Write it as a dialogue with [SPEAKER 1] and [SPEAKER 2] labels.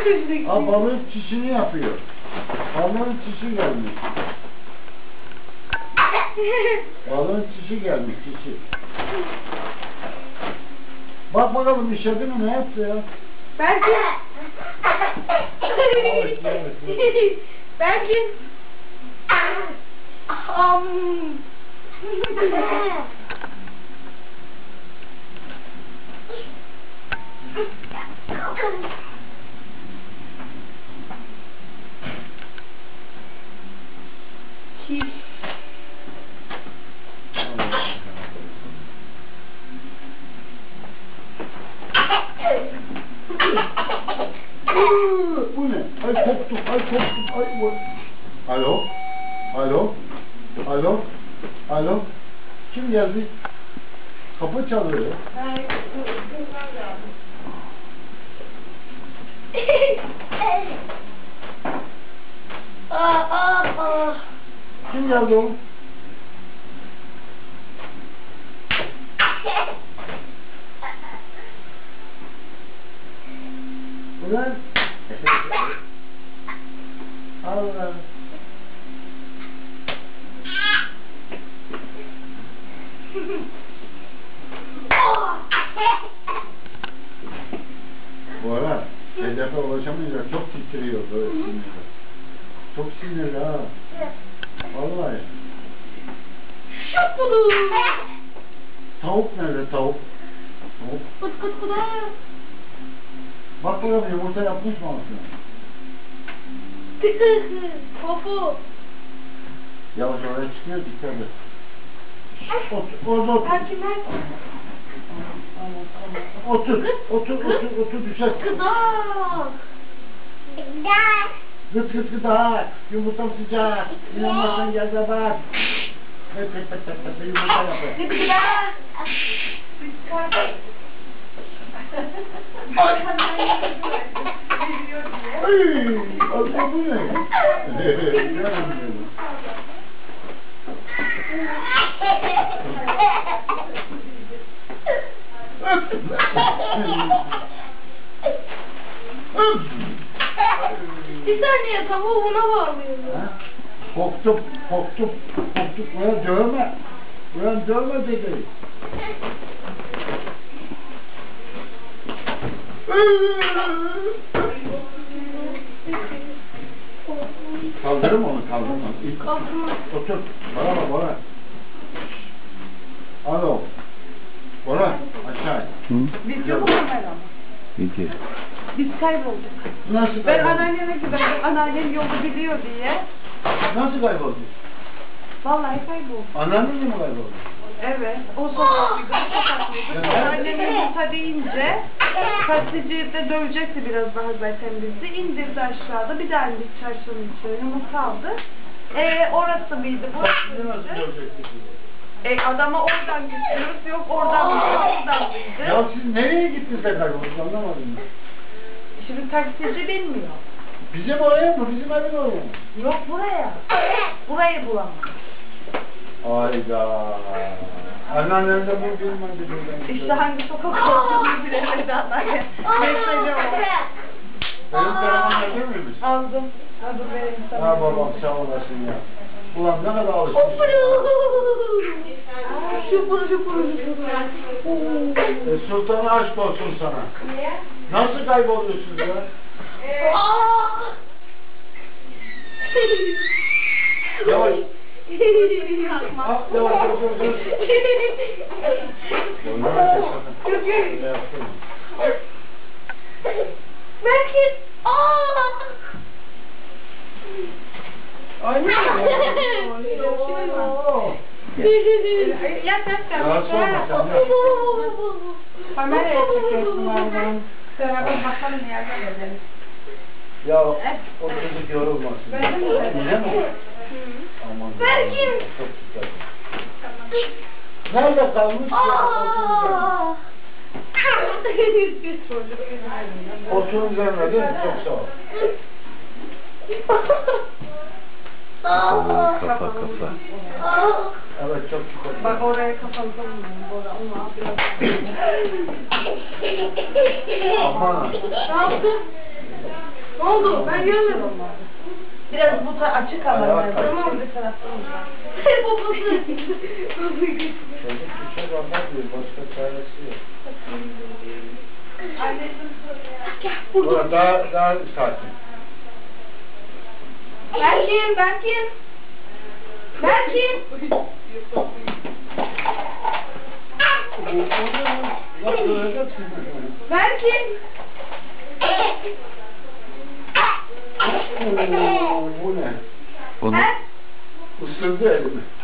[SPEAKER 1] Aa, balığın çişini yapıyor. Balığın çişi gelmiş. Balığın çişi gelmiş, çişi. Bak bakalım işedi mi, ne yaptı ya?
[SPEAKER 2] Belki. Belki.
[SPEAKER 1] Bu ne? Ay koptum, ay koptum, ay bu. Alo? Alo? Alo? Alo? Kim geldi? Kapı çalıyor. Kim geldi oğlum? Ulan. Allah. Bu ara hedefe ulaşamayacak, çok titriyor böyle sinirli. Çok sinirli ha. Vallahi.
[SPEAKER 2] Şapulu.
[SPEAKER 1] Tavuk nerede tavuk? Tavuk.
[SPEAKER 2] Kıt kıt kıt.
[SPEAKER 1] Bak bakalım yumurta yapmış mı aslında?
[SPEAKER 2] Popu.
[SPEAKER 1] Yavaş oraya çıkıyor, dikkat et. Orada otur. Otur, düşer.
[SPEAKER 2] Kızak.
[SPEAKER 1] Gıt gıt gıdak, yumurtam sıcak. İnanmazsan gel de bak. Yumurta yapıyor.
[SPEAKER 2] Kızak.
[SPEAKER 1] Ay, abla bu ne? Canım benim.
[SPEAKER 2] Bir saniye, tavuğu buna bağlıyorum.
[SPEAKER 1] Korktum. Ulan dövme dedi. Kaldırır mı onu, İlk otur. Bana. Alo. Bora, aşağı.
[SPEAKER 2] Biz yok mu ama?
[SPEAKER 3] Peki.
[SPEAKER 2] Biz kaybolduk.
[SPEAKER 1] Nasıl
[SPEAKER 2] Ben
[SPEAKER 1] kayboldun?
[SPEAKER 2] anneanneme güvendim. Anneannem yolu biliyor diye.
[SPEAKER 1] Nasıl kayboldun?
[SPEAKER 2] Vallahi kayboldum.
[SPEAKER 1] Anneannenle mi kayboldun?
[SPEAKER 2] Evet. O sokaklıydı. Anneannem yumurta deyince taksiciyi de dövecekti biraz daha zaten bizi. İndirdi aşağıda. Bir daha indik çarşının içine. Yumurta aldı. Orası mıydı?
[SPEAKER 1] Taksici nasıl
[SPEAKER 2] Burası mıydı?
[SPEAKER 1] görecektik bizi?
[SPEAKER 2] Adama oradan götürüyoruz. Yok oradan mıydı? Buradan mıydı?
[SPEAKER 1] Ya siz nereye gittiniz de kayboldunuz, anlamadım ben.
[SPEAKER 2] Şimdi taksici bilmiyor.
[SPEAKER 1] Bizim oraya mı? Bizim evin oraya mı?
[SPEAKER 2] Yok buraya. Burayı bulamam.
[SPEAKER 1] Hayda. Anneannem de bu bilmem.
[SPEAKER 2] İşte hangi sokak olduğunu bilemedi anneanne. Mesajı o.
[SPEAKER 1] Benim telefonla görmüyor musun?
[SPEAKER 2] Aldım. Hadi vereyim sana.
[SPEAKER 1] Ha babam sağ olasın ya. Ulan ne kadar alışmışsın.
[SPEAKER 2] Şupuru.
[SPEAKER 1] Sultanı aşk olsun sana. Nasıl kayboluyorsunuz ya? Yavaş. Yavaş.
[SPEAKER 2] Belki.
[SPEAKER 1] Ay ne
[SPEAKER 2] Kameraya çekiyorsun oradan. Beraber bakalım yerden edelim.
[SPEAKER 1] Ya o çocuk yorulmasın. Yine mi? Aman.
[SPEAKER 2] Belki.
[SPEAKER 1] Çok güzel. Nerede kalmış? Oturun üzerine değil mi? Çok sağ ol.
[SPEAKER 3] Kafa.
[SPEAKER 1] Evet çok güzel.
[SPEAKER 2] Bak oraya kapalı onu
[SPEAKER 1] Aman.
[SPEAKER 2] Ne yaptın?
[SPEAKER 3] Ne oldu? Ben görmedim.
[SPEAKER 2] Biraz bu açık alan lazım.
[SPEAKER 3] Tamam.
[SPEAKER 2] Bir taraftan uzak.
[SPEAKER 3] Poposu.
[SPEAKER 1] Çocuk bir şey anlatmıyor. Başka çaresi yok.
[SPEAKER 2] Anneciğim söyle.
[SPEAKER 1] Burada daha sakin.
[SPEAKER 3] Berkin. Berkin.
[SPEAKER 1] Nasıl öleceksin?
[SPEAKER 3] Berkin.
[SPEAKER 1] Bu ne?
[SPEAKER 4] Bunu
[SPEAKER 3] He?
[SPEAKER 1] Isırdı elimi.